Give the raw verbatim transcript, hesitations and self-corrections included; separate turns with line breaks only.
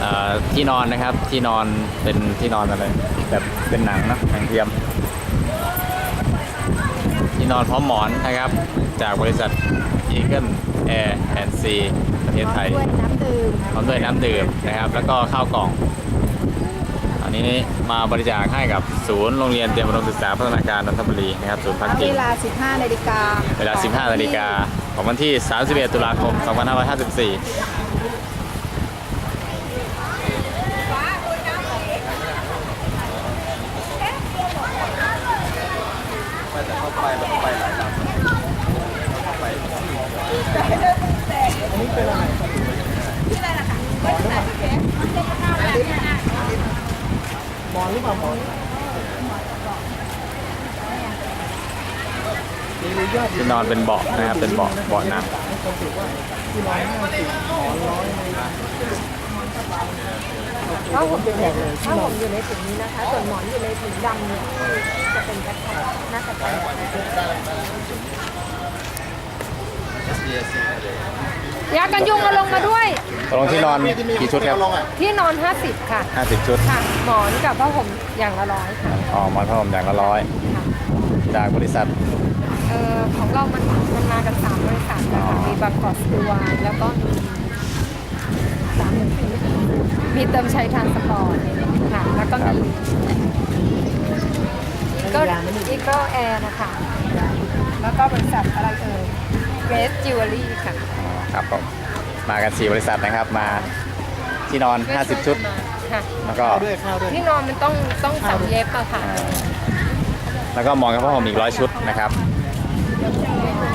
ที่นอนนะครับที่นอนเป็นที่นอนอะไรแบบเป็นหนังนะหนังเทียมที่นอนพร้อมหมอนนะครับจากบริษัท Eagle Air and Sea ประเทศไทย
ด้วยน้ำดื่ม
พร้อมด้วยน้ำดื่มนะครับแล้วก็ข้าวกล่องอันนี้มาบริจาคให้กับศูนย์โรงเรียนเตรียมอุดมศึกษาพัฒนาการนนทบุรีนะครับศูนย์พักพิง
เวลา สิบห้า นาฬิกา
เวลา สิบห้า นาฬิกาของวันที่ สามสิบเอ็ด ตุลาคม สองพันห้าร้อยห้าสิบสี่ไปแล้วไปหลายลำไปอันนี้เป็นอะไรที่อะไรล่ะคะมอนหรือเปล่ามอนที่นอนเป็นเบาะนะครับเป็นเบาะเบาะหนัง
ถ้าผมอยู่ในถ้าผมอยู่ในถุงนี้นะคะส่วนหมอนอยู่ในถุงดำเนี่ยจะเป็นแพ็คๆน่าจะเป็นยากันยุงมาลงมาด้วย
ตกลงที่นอนกี่ชุดครับ
ที่นอนห้าสิบค่ะ
ห้าสิบชุด
ค่ะหมอนกับผ้าห่มอย่างละร้อยค่ะ
อ๋อหมอนผ้าห่มอย่างละร้อยจากบริษัท
เอ่อของเรามันมันมากันสามบริษัทนะคะมีบางกอกสตูวายแล้วก็มีสามหนึ่งสี่มีเติมชัยทานสปอร์ตค่ะแล้วก็มีก็อีก็แอร์นะคะแล้วก็บริษัทอะไรเอ่ยเกรสจิวเวลรี่ค่ะ
ครับผมมากันสี่บริษัทนะครับมาที่นอนห้าสิบชุด
ค่ะ
แล้วก็
ที่นอนมันต้องต้องสามเย็บอะค่ะ
แล้วก็หมอนกับผ้าห่มอีกร้อยชุดนะครับ